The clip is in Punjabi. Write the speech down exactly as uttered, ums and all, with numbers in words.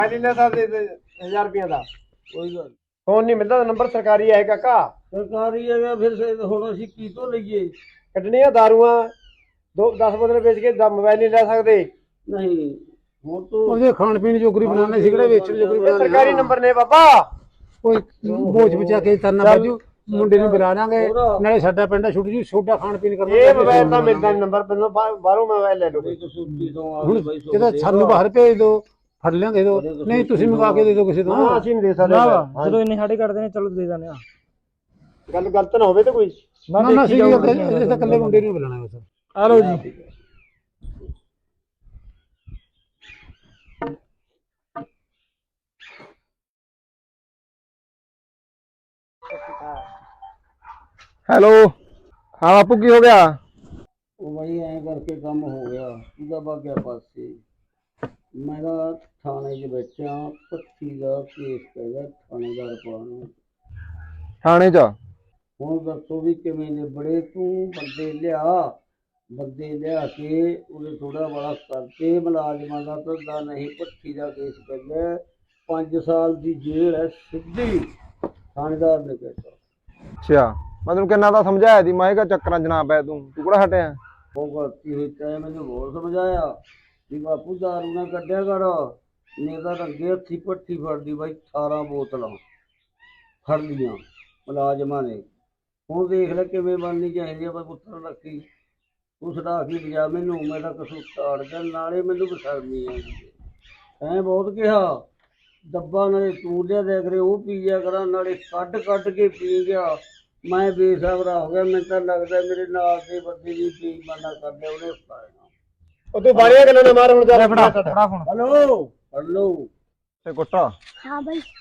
ਲੈ ਸਕਦੇ ਹਜ਼ਾਰ ਰੁਪਏ ਦਾ ਕੋਈ ਗੱਲ ਫੋਨ ਨਹੀਂ ਮਿਲਦਾ ਨੰਬਰ ਸਰਕਾਰੀ ਹੈ ਕਾਕਾ ਸਰਕਾਰੀ ਹੈਗਾ ਫਿਰ ਹੁਣ ਅਸੀਂ ਕੀ ਤੋਂ ਲਈਏ ਕੱਢਣੀਆਂ ਦਾਰੂਆਂ ਦੋ ਦਸ ਬੋਤਲ ਵੇਚ ਕੇ ਮੋਬਾਈਲ ਨਹੀਂ ਲੈ ਸਕਦੇ ਨਹੀਂ ਹੁਣ ਤੋਂ ਉਹਦੇ ਖਾਣ ਪੀਣ ਜੋਗਰੀ ਬਣਾਉਣੇ ਸੀ ਕਿਹੜੇ ਵੇਚਣ ਜੋਗਰੀ ਬਣਾਉਣੇ ਸਰਕਾਰੀ ਨੰਬਰ ਨੇ ਬਾਬਾ ਕੋਈ ਬੋਝ ਬਚਾ ਕੇ ਤਰਨਾ ਬਾਜੂ ਮੁੰਡੇ ਨੂੰ ਬੁਲਾ ਲਾਂਗੇ ਨਾਲੇ ਸਾਡਾ ਪਿੰਡ ਛੁੱਟ ਜੂ ਛੋਟਾ ਖਾਣ ਪੀਣ ਕਰਨਾ ਇਹ ਮੋਬਾਈਲ ਤਾਂ ਮਿਲਦਾ ਨੰਬਰ ਪਹਿਲਾਂ ਬਾਹਰੋਂ ਮੋਬਾਈਲ ਲੈ ਲਓ ਹੁਣ ਜਦੋਂ ਸਾਨੂੰ ਬਾਹਰ ਭੇਜ ਦੋ ਫੜ ਲਿਆਂਗੇ ਦੋ ਨਹੀਂ ਤੁਸੀਂ ਮੰਗਾ ਕੇ ਦੇ ਦਿਓ ਕਿਸੇ ਤੋਂ ਹਾਂ ਅਸੀਂ ਨਹੀਂ ਦੇ ਸਕਦੇ ਜਦੋਂ ਇੰਨੇ ਸਾਡੇ ਕੱਢਦੇ ਨੇ ਚਲੋ ਦੇ ਦਿੰਦੇ ਆ ਗੱਲ ਗਲਤ ਨਾ ਹੋਵੇ ਤੇ ਕੋਈ ਨਾ ਨਾ ਅਸੀਂ ਇਹ ਤਾਂ ਇਕੱਲੇ ਮੁੰਡੇ ਨੂੰ ਬੁਲਾਣਾ ਬਸ ਆ ਲਓ ਜੀ ਹੈਲੋ ਹਾਂ ਬਾਪੂ ਕੀ ਹੋ ਗਿਆ ਉਹ ਬਾਈ ਐਂ ਕਰਕੇ ਕੰਮ ਹੋ ਗਿਆ ਉਹਦਾ ਬਾਗਿਆ ਪਾਸੇ ਮੈਂ ਤਾਂ ਥਾਣੇ 'ਚ ਬੈਠਾ ਪੱਚੀ ਦਾ ਕੇਸ ਪੈਗਾ ਥਾਣੇਦਾਰ ਪਾਉਣ ਥਾਣੇ 'ਚ ਹੁਣ ਦੱਸੋ ਵੀ ਕਿਵੇਂ ਨੇ ਬੜੇ ਤੂੰ ਬੰਦੇ ਲਿਆ ਬੰਦੇ ਲਿਆ ਕੇ ਉਹਨੇ ਥੋੜਾ ਬੜਾ ਕਰਕੇ ਮੁਲਾਜ਼ਮਾਂ ਦਾ ਧੰਦਾ ਨਹੀਂ ਪੱਚੀ ਦਾ ਕੇਸ ਪੈਗਾ ਪੰਜ ਸਾਲ ਦੀ ਜੇਲ੍ਹ ਹੈ ਸਿੱਧੀ ਥਾਣੇਦਾਰ ਨੇ ਕਹਿਤਾ ਅੱਛਾ ਮੈਂ ਤੈਨੂੰ ਕਿੰਨਾ ਤਾਂ ਸਮਝਾਇਆ ਸੀ ਮੈਂ ਕਿਹਾ ਚੱਕਰਾਂ 'ਚ ਨਾ ਪੈ ਤੂੰ ਤੂੰ ਕਿਹੜਾ ਹਟਿਆ ਉਹ ਗਲਤੀ ਹੋਈ ਚਾਹੇ ਮੈਨੂੰ ਹੋਰ ਸਮਝਾਇਆ ਵੀ ਬਾਪੂ ਦਾਰੂ ਨਾ ਕੱਢਿਆ ਕਰ ਨਹੀਂ ਤਾਂ ਅੱਗੇ ਹੱਥੀ ਭੱਠੀ ਫੜਦੀ ਬਾਈ ਅਠਾਰਾਂ ਬੋਤਲਾਂ ਫੜ ਲਈਆਂ ਮੁਲਾਜ਼ਮਾਂ ਨੇ ਹੁਣ ਦੇਖ ਲੈ ਕਿਵੇਂ ਬਣਨੀ ਚਾਹੀਦੀ ਆ ਪੁੱਤਰ ਰੱਖੀ ਤੂੰ ਛਡਾ ਕੇ ਲਿਜਾ ਮੈਨੂੰ ਮੈਂ ਤਾਂ ਕਸੂਰ ਤਾੜ ਗਿਆ ਨਾਲੇ ਮੈਨੂੰ ਬਸ਼ਰਮੀ ਆਉਂਦੀ ਐਂ ਬਹੁਤ ਕਿਹਾ ਡੱਬਾ ਨਾਲੇ ਤੂੰ ਲਿਆ ਦਿਆ ਕਰੇ ਉਹ ਪੀ ਜਾ ਕਰਾਂ ਨਾਲੇ ਕੱਢ ਕੱਢ ਕੇ ਪੀ ਗਿਆ ਮੈਂ ਬੇਸਬਰਾ ਹੋ ਗਿਆ ਮੈਨੂੰ ਤਾਂ ਲੱਗਦਾ ਮੇਰੇ ਨਾਲ ਦੇ ਬੰਦੇ ਦੀ ਪੀ ਮਾਨਾ ਕਰ ਲਿਆ ਉਹਨੇ ਪਾਇਆ ਉਹ ਤੂੰ ਬਾਰੀਆਂ ਗੱਲਾਂ ਨਾ ਮਾਰ ਹੁਣ ਜਾ ਫੜਾ ਫੜਾ ਫੋਨ ਹਲੋ ਹਲੋ ਤੇ ਕੁੱਟਾ हाँ भाई